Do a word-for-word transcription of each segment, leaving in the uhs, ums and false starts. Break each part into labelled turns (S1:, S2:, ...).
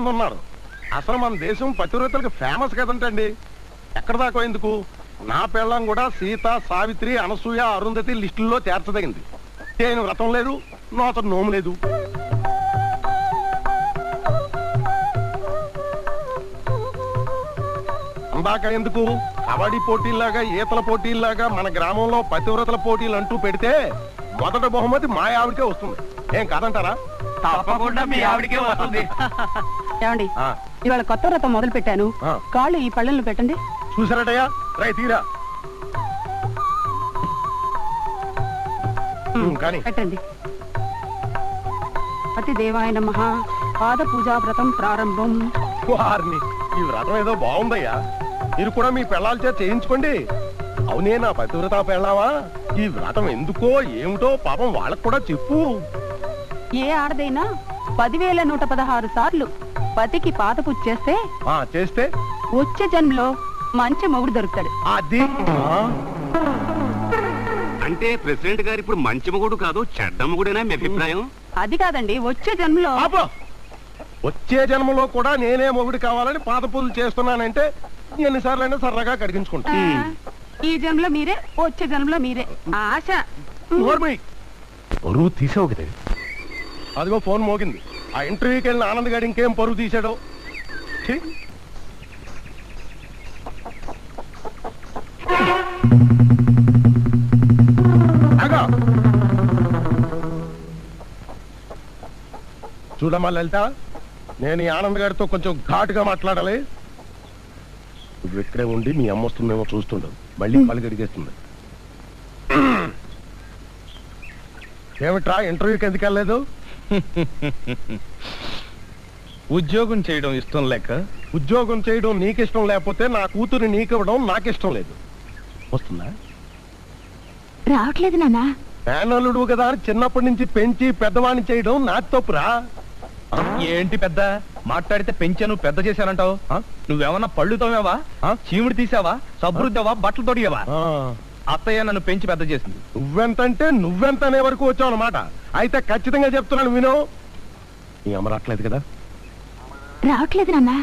S1: ఉన్నారు. అసలు మన దేశం పతివ్రతలకు ఫేమస్ కదంటండి. ఎక్కడ దాకా ఎందుకు, నా పెళ్ళం కూడా సీత, సావిత్రి, అనసూయ, అరుంధతి లిస్టుల్లో చేర్చదగింది. నేను వ్రతం లేదు, నోత నోము లేదు. అందాక ఎందుకు, కబడ్డీ పోటీల్లాగా, ఈతల పోటీల్లాగా మన గ్రామంలో పతివ్రతల పోటీలు అంటూ పెడితే మొదట బహుమతి మా ఆవిడకే వస్తుంది. ఏం కాదంటారా?
S2: తప్పకుండా మీ ఆవిడకే వస్తుంది.
S3: ఏమండి, ఇవాళ కొత్త వ్రతం మొదలు పెట్టాను. కాళ్ళు ఈ పళ్ళల్లో పెట్టండి.
S1: చూసారటయ్యా, రై తీరా కానీ
S3: పెట్టండి. అతి దేవాయ నమః. పాద పూజా వ్రతం ప్రారంభం.
S1: వారిని ఈ వ్రతం ఏదో బాగుందయ్యా, మీరు కూడా మీ పెళ్ళాల చేత చేయించుకోండి. అవునే నా పతివ్రత పెళ్ళావా, ఈ వ్రతం ఎందుకో ఏమిటో పాపం వాళ్ళకు కూడా చెప్పు.
S3: ఏ ఆడదైనా పదివేల నూట పదహారు సార్లు పతికి పాద పూజ చేస్తే
S1: ఆ చేస్తే
S3: వచ్చే జన్మలో మంచి మొగుడు దొరుకుతాడు.
S1: అది
S2: అంటే ప్రెసిడెంట్ గారు ఇప్పుడు మంచి మొగుడు కాదు, చెడ్డ మొగుడేనా మీ అభిప్రాయం?
S3: అది కాదండి, వచ్చే జన్మలో.
S1: వచ్చే జన్మలో కూడా నేనే మొగుడు కావాలని పాద పూజలు చేస్తున్నానంటే ఎన్నిసార్లు అయినా సరదాగా కడిగించుకుంటా.
S3: ఈ జన్మలో మీరే, వచ్చే జన్మలో మీరే. ఆశ
S1: పరువు తీసావు కదా. అదిగో ఫోన్ మోగింది. ఆ ఇంటర్వ్యూకి వెళ్ళిన ఆనంద్ గారు ఇంకేం పరువు తీసాడో. చూడమ్మా లలిత, నేను ఈ ఆనంద్ గారితో కొంచెం ఘాటుగా మాట్లాడాలి. నువ్వు ఇక్కడే ఉండి మీ అమ్మ వస్తుందేమో చూస్తుండదు, మళ్ళీ పలు గడిగేస్తుంది. ఏమిట్రా ఇంటర్వ్యూకి ఎందుకు వెళ్ళలేదు?
S4: ఉద్యోగం చేయడం ఇష్టం లేక.
S1: ఉద్యోగం చేయడం నీకిష్టం లేకపోతే నా కూతురు నీకివ్వడం నాకిష్టం లేదు. వస్తుందా?
S3: రావట్లేదు నాన్న.
S1: మేనల్లుడు కదా అని చిన్నప్పటి నుంచి పెంచి పెద్దవాణ్ణి చేయడం నాకు తప్పురా.
S4: ఏంటి పెద్ద మాట్లాడితే పెంచాను పెద్ద చేశానంటావు? నువ్వేమన్నా పళ్ళు తోమేవా, చీముడు తీసావా, సబ్రుద్దావా, బట్టలు తొడిగావా? అత్తయ్య నన్ను పెంచి పెద్ద చేసింది.
S1: నువ్వెంతంటే నువ్వెంత అనే వరకు వచ్చావు అన్నమాట. అయితే ఖచ్చితంగా చెప్తున్నాను విను. నీ అమ్మ రావట్లేదు కదా?
S3: రావట్లేదు నాన్న.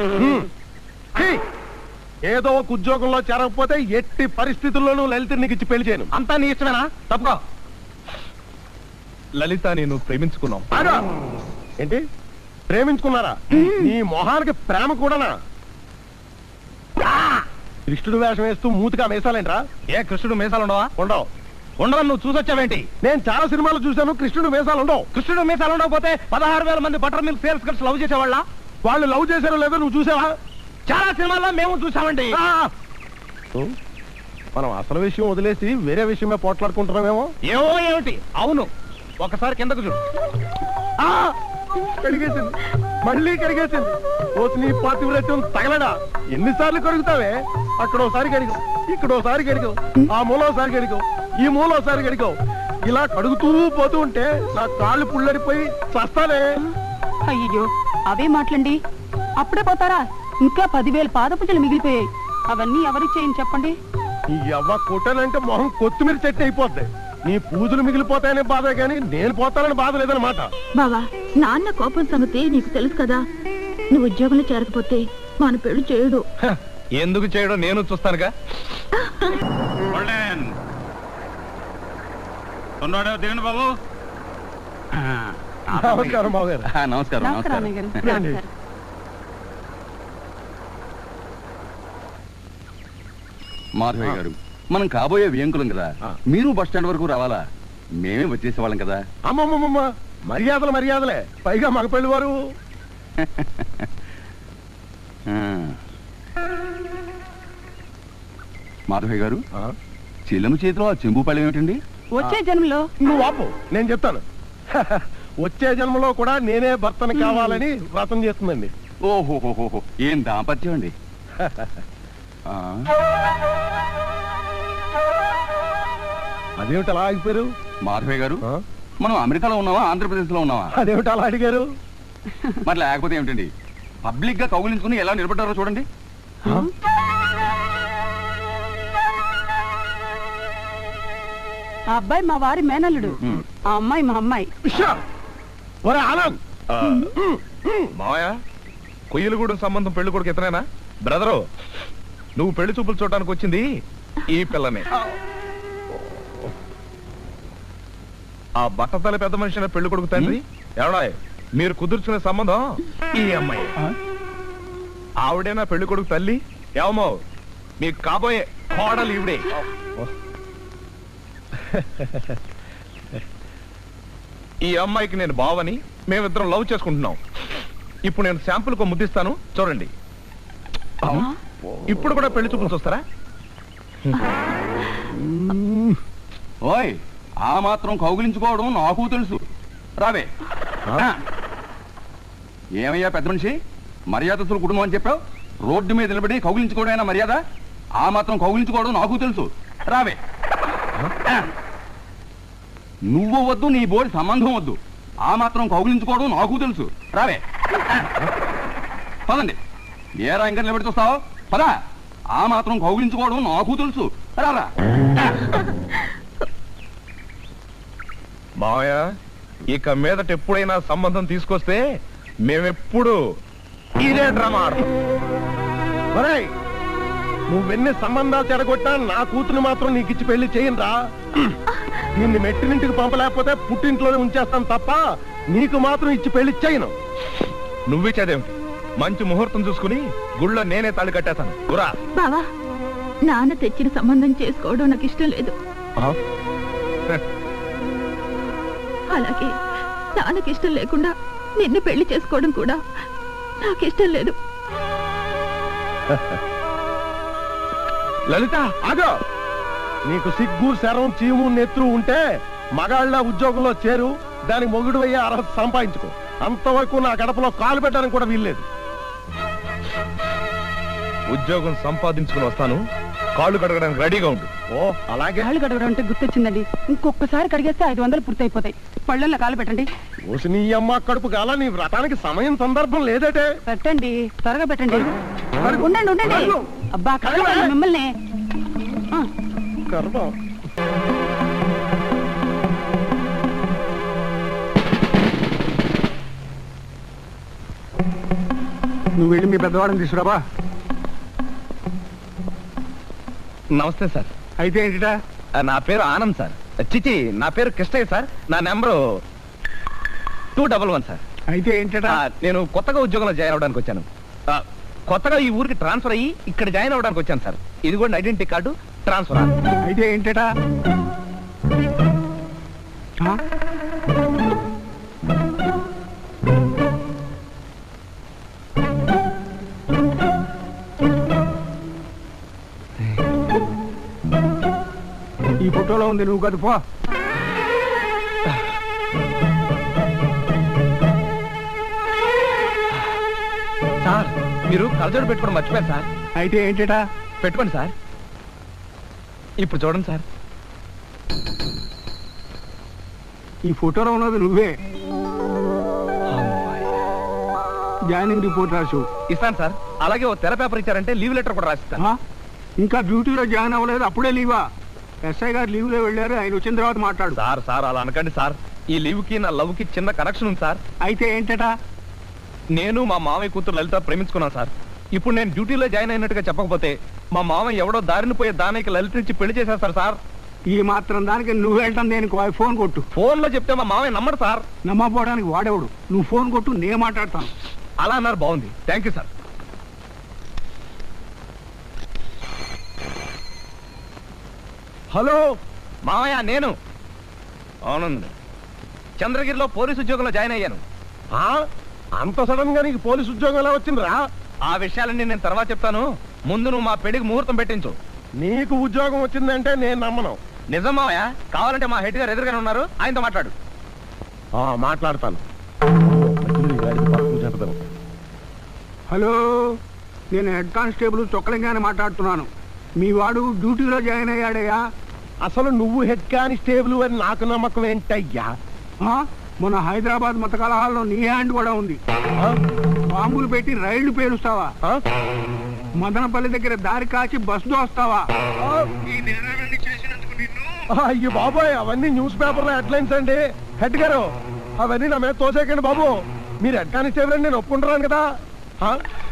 S1: ఏదో ఒక ఉద్యోగంలో చేరకపోతే ఎట్టి పరిస్థితుల్లోనూ లలిత నీకు ఇచ్చి పెళ్లి చేయను.
S4: అంతా నీ ఇష్టమేనా? తప్పుకో. లలిత నేను ప్రేమించుకున్నాం.
S1: ఏంటి ప్రేమించుకున్నారా? నీ మొహానికి ప్రేమ కూడానా? కృష్ణుడు వేషం వేస్తూ మూతిగా మేసాలేంట్రా?
S4: ఏ కృష్ణుడు మేసాలు ఉండవా?
S1: ఉండవు.
S4: ఉండవని నువ్వు చూసొచ్చావేంటి?
S1: నేను చాలా సినిమాలు చూశాను, కృష్ణుడు మేసాలు ఉండవు.
S4: కృష్ణుడు మేసాలు ఉండకపోతే పదహారు వేల మంది butter milk sales girls love చేసేవాళ్ళ?
S1: వాళ్ళు లవ్ చేశారో లేదో నువ్వు చూసావా?
S4: చాలా సినిమాల్లో మేము చూసామండి.
S1: మనం అసలు విషయం వదిలేసి వేరే విషయమే పోట్లాడుకుంటున్నామేమో.
S4: ఏమో ఏమిటి? అవును, ఒకసారి కిందకు చూడు.
S1: కడిగేసింది, మళ్ళీ కడిగేసింది. ఓసి నీ పాతివ్రత్యం తగలడా? ఎన్నిసార్లు కడుగుతావే? అక్కడ ఒకసారి కడిగావు, ఇక్కడ ఒకసారి కడిగావు, ఆ మూలోసారి కడిగావు, ఈ మూలోసారి కడిగావు. ఇలా కడుగుతూ పోతూ ఉంటే నా కాళ్ళు పుల్లడిపోయి చస్తానే.
S3: అయ్యో అవే మాటలండి, అప్పుడే పోతారా? ఇంకా పదివేల పాద పూజలు మిగిలిపోయాయి. అవన్నీ ఎవరికి చేయని చెప్పండి.
S1: ఈ అవ్వ కొట్టానంటే మొహం కొత్తిమీర చెట్టు అయిపోద్ది. నీ పూజలు మిగిలిపోతాయనే బాధ కానీ నేను పోతానని బాధ లేదనమాట.
S5: బావా, నాన్న కోపం సంగతి నీకు తెలుసు కదా. నువ్వు ఉద్యోగంలో చేరకపోతే మన పెళ్లి చేయడు.
S4: ఎందుకు చేయడం నేను చూస్తానుగా.
S2: దిగండి బాబు.
S1: నమస్కారం బాబు గారు.
S2: నమస్కారం. నమస్కారం. మాధవయ్య గారు, మనం కాబోయే వ్యంకులం కదా, మీరు బస్ స్టాండ్ వరకు రావాలా? మేమే వచ్చేసేవాళ్ళం కదా.
S1: అమ్మమ్మమ్మ, మర్యాదలు మర్యాదలే, పైగా మగ పెళ్లి వారు.
S2: మాధవయ్య గారు, చెల్లెము చేతిలో ఆ చెంబు పళ్ళం ఏమిటండి?
S3: వచ్చే జన్మలో.
S1: నువ్వు ఆపు, నేను చెప్తాను. వచ్చే జన్మలో కూడా నేనే భర్తను కావాలని వ్రతం చేస్తుందండి.
S2: ఓహోహోహో, ఏం దాంపత్యం అండి.
S1: అదేమిటి అలా ఆగిపోయారు?
S2: మాధవయ్య గారు, మనం అమెరికాలో ఉన్నావా ఆంధ్రప్రదేశ్ లో ఉన్నావా?
S1: అదేమిటి అలా అడిగారు?
S2: మరి లేకపోతే ఏమిటండి, పబ్లిక్ గా కౌగిలించుకుని ఎలా నిలబడ్డారో చూడండి.
S3: ఆ అబ్బాయి మా వారి మేనల్లుడు, ఆ అమ్మాయి మా అమ్మాయి.
S1: ఆనంద్
S4: మావయ్య, కొయ్యలగూడెం సంబంధం పెళ్లి కొడుకు ఇతనేనా? బ్రదరు, నువ్వు పెళ్లి చూపులు చూడటానికి వచ్చింది ఈ పిల్లనే. ఆ బట్టతల పెద్ద మనిషి పెళ్లి కొడుకు తండ్రి ఎవడా? మీరు కుదుర్చుకునే సంబంధం ఈ అమ్మాయి. ఆవిడేనా పెళ్లి కొడుకు తల్లి? ఏమో మీకు కాబోయే కోడలు ఈవిడే. ఈ అమ్మాయికి నేను బావని, మేమిద్దరం లవ్ చేసుకుంటున్నాం. ఇప్పుడు నేను శాంపుల్ కు ముద్దిస్తాను, చూడండి. ఇప్పుడు కూడా పెళ్లి చూపులు చూస్తారా?
S2: ఓయ్, ఆ మాత్రం కౌగిలించుకోవడం నాకు తెలుసు. రావే. ఏమయ్యా పెద్ద మనిషి, మర్యాదస్తుల కుటుంబం అని చెప్పావు, రోడ్డు మీద నిలబడి కౌగిలించుకోవడం మర్యాద? ఆ మాత్రం కౌగిలించుకోవడం నాకు తెలుసు. రావే. నువ్వు వద్దు, నీ బోడి సంబంధం వద్దు, ఆ మాత్రం కౌగిలించుకోవడం నాకు తెలుసు. రావే. పదండి. ఏరా ఇంకా నిలబడి చూస్తావు? పదా. ఆ మాత్రం కౌగిలించుకోవడం నాకు తెలుసు. రారా.
S4: మావయ్య, ఇక మీదట ఎప్పుడైనా సంబంధం తీసుకొస్తే మేమెప్పుడు ఇదే డ్రామా ఆడతాం.
S1: ఒరేయ్, నువ్వెన్ని సంబంధాలు చెడగొట్టా నా కూతురు మాత్రం నీకు ఇచ్చి పెళ్లి చేయనురా. నిన్ను మెట్టినింటికి పంపలేకపోతే పుట్టింట్లోనే ఉంచేస్తాను తప్ప నీకు మాత్రం ఇచ్చి పెళ్లి చేయను.
S4: నువ్విచ్చేదేమిటి? మంచి ముహూర్తం చూసుకుని గుళ్ళో నేనే తాళి కట్టేస్తాను. గురా.
S5: బావా, నాన్న తెచ్చిన సంబంధం చేసుకోవడం నాకు ఇష్టం లేదు. అలాగే నాన్నకి ఇష్టం లేకుండా నిన్ను పెళ్లి చేసుకోవడం కూడా నాకు ఇష్టం లేదు.
S4: లలిత,
S1: ఆగో. నీకు సిగ్గు, శరం, చీము, నెత్రు ఉంటే మగాళ్ళ ఉద్యోగంలో చేరు, దానికి మొగుడు అయ్యే అర్హత సంపాదించుకో. అంతవరకు నా గడపలో కాలు పెట్టడానికి కూడా వీల్లేదు.
S4: ఉద్యోగం సంపాదించుకుని వస్తాను, కాళ్ళు కడగడానికి రెడీగా ఉండు.
S1: ఓ అలాగే.
S3: కాళ్ళు కడగడం అంటే గుర్తొచ్చిందండి. ఇంకొకసారి కడిగేస్తే ఐదు వందలు పూర్తయిపోతాయి. పళ్ళల్లో కాలు పెట్టండి.
S1: ఓసి నీ అమ్మ కడుపు కాల, నీ వ్రతానికి సమయం సందర్భం లేదటే.
S3: పెట్టండి, త్వరగా పెట్టండి. ఉండండి ఉండండి. అబ్బా కడగండి మిమ్మల్ని.
S1: గర్భం.
S6: నువ్వు వెళ్ళి మీ పెద్దవాడిని తీసుకురాబా.
S4: నమస్తే సార్.
S6: అయితే ఏంటిటా?
S4: నా పేరు ఆనంద్ సార్. చిచి, నా పేరు కృష్ణయ్య సార్. నా number two double one sir.
S6: అయితే ఏంటటా?
S4: నేను కొత్తగా ఉద్యోగంలో జాయిన్ అవడానికి వచ్చాను. ఆ, కొత్తగా ఈ ఊరికి ట్రాన్స్ఫర్ అయ్యి ఇక్కడ జాయిన్ అవడానికి వచ్చాను సార్. ఇది కూడా ఐడెంటిటీ కార్డు, ట్రాన్స్ఫర్.
S6: అయితే ఏంటటా? ఈ ఫోటోలో ఉంది, నువ్వు కదా పో.
S4: సార్, మీరు కలజోడు పెట్టుకోవడం మర్చిపోయారు సార్.
S6: అయితే ఏంటటా?
S4: పెట్టుకోండి సార్. ఇప్పుడు చూడండి సార్.
S6: ఈ ఫోటోలో ఉన్నది నువ్వే. జాయినింగ్ రిపోర్ట్ రాసు.
S4: ఇస్తాను సార్. అలాగే ఓ తెర పేపర్ ఇచ్చారంటే లీవ్ లెటర్ కూడా రాసిస్తాను.
S6: ఇంకా డ్యూటీలో జాయిన్ అవ్వలేదు, అప్పుడే లీవా? ఎస్ఐ గారు లీవ్ లో వెళ్ళారు, ఆయన వచ్చిన తర్వాత మాట్లాడు.
S4: సార్ సార్ అలా అనకండి సార్. ఈ లీవ్ కి నా లవ్ కి చిన్న కనెక్షన్ ఉంది సార్.
S6: అయితే ఏంటటా?
S4: నేను మా మామయ్య కూతురు లలిత ప్రేమించుకున్నాను సార్. ఇప్పుడు నేను డ్యూటీలో జాయిన్ అయినట్టుగా చెప్పకపోతే మా మామయ్య ఎవడో దారిని పోయే దానికి లలిత నుంచి పెళ్లి చేసేస్తారు సార్.
S6: ఈ మాత్రం దానికి నువ్వు వెళ్ళటం దేనికి? ఫోన్ కొట్టు.
S4: ఫోన్ లో చెప్తే మా మామయ్య నమ్మడు సార్.
S6: నమ్మపోవడానికి వాడేవాడు. నువ్వు ఫోన్ కొట్టు, నేను మాట్లాడతాను.
S4: అలా అన్నారు, బాగుంది. Thank you sir.
S1: హలో
S4: మామయ్య, నేను అవునండి చంద్రగిరిలో పోలీసు ఉద్యోగంలో జాయిన్ అయ్యాను.
S1: ఆ అంత సడన్ గా నీకు పోలీసు ఉద్యోగం ఎలా వచ్చిందిరా?
S4: ఆ విషయాలన్నీ నేను తర్వాత చెప్తాను. ముందు నువ్వు మా పెళ్లికి ముహూర్తం పెట్టించు.
S1: నీకు ఉద్యోగం వచ్చిందంటే నేను నమ్మను.
S4: నిజం మామయ్య. కావాలంటే మా హెడ్ గారు ఎదురుగానే ఉన్నారు, ఆయనతో మాట్లాడు.
S1: ఆ మాట్లాడతాను.
S6: హలో, నేను హెడ్ కానిస్టేబుల్ చొక్కలింగానే మాట్లాడుతున్నాను. మీ వాడు డ్యూటీలో జాయిన్ అయ్యాడయ్యా.
S1: అసలు నువ్వు హెడ్ కానిస్టేబుల్ అని నాకు నమ్మకం ఏంటయ్యా?
S6: మన హైదరాబాద్ మత కలహాల్లో నీ హ్యాండ్ కూడా ఉంది. బాంబులు పెట్టి రైళ్లు పేలుస్తావా? మదనపల్లి దగ్గర దారి కాచి బస్సు దోస్తావా?
S1: అయ్యో బాబోయ్, అవన్నీ న్యూస్ పేపర్ లో హెడ్లైన్స్ అండి. హెడ్ గారు, అవన్నీ నా మీద తోసేకండి బాబు. మీరు హెడ్ కానిస్టేబుల్ అని నేను ఒప్పుకుంటున్నాను కదా. ఆ?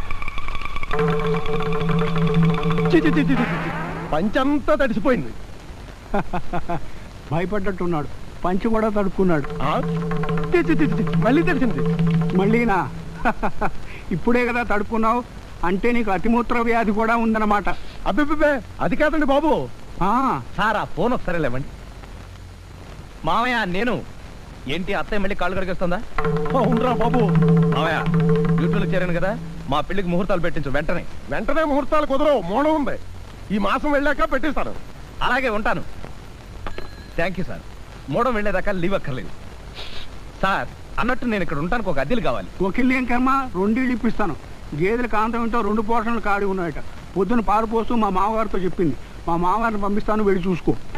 S1: చి, చి, చి, చి, చి, చి. పంచంతా తడిసిపోయింది.
S6: భయపడ్డట్టున్నాడు. పంచి కూడా తడుక్కున్నాడు.
S1: ఆ? చి, చి, చి, చి. మళ్ళీ తడిసింది.
S6: మళ్ళీనా? ఇప్పుడే కదా తడుక్కున్నావు, అంటే నీకు అతిమూత్ర వ్యాధి కూడా ఉందన్నమాట.
S1: అబ్బే అది కాదండి బాబు.
S6: ఆ,
S4: సార్ ఆ ఫోన్ ఒకసారి లేవండి. మామయ్య నేను ఏంటి అత్తయ్య మళ్ళీ కాళ్ళు కడిగేస్తుందా?
S1: అవునరా బాబు.
S4: మామయ్య డ్యూటీలో చేరాను కదా, మా పెళ్లికి ముహూర్తాలు పెట్టించు వెంటనే.
S1: వెంటనే ముహూర్తాలు కుదరవు, మోడం ఉంది. ఈ మాసం వెళ్ళాక పెట్టిస్తాను.
S4: అలాగే ఉంటాను. Thank you sir. మూడం వెళ్ళేదాకా లీవ్ అక్కర్లేదు. సార్ అన్నట్టు నేను ఇక్కడ ఉంటానికి ఒక అద్దెలు కావాలి.
S6: వకీల్ ఏం కర్మ, రెండేళ్ళు ఇప్పిస్తాను. గేదెల కాంతం ఏంటో రెండు పోర్షన్లు కాడి ఉన్నాయట. పొద్దున పాలు పోస్తూ మా మామగారితో చెప్పింది. మా మామగారిని పంపిస్తాను, వెళ్ళి చూసుకో.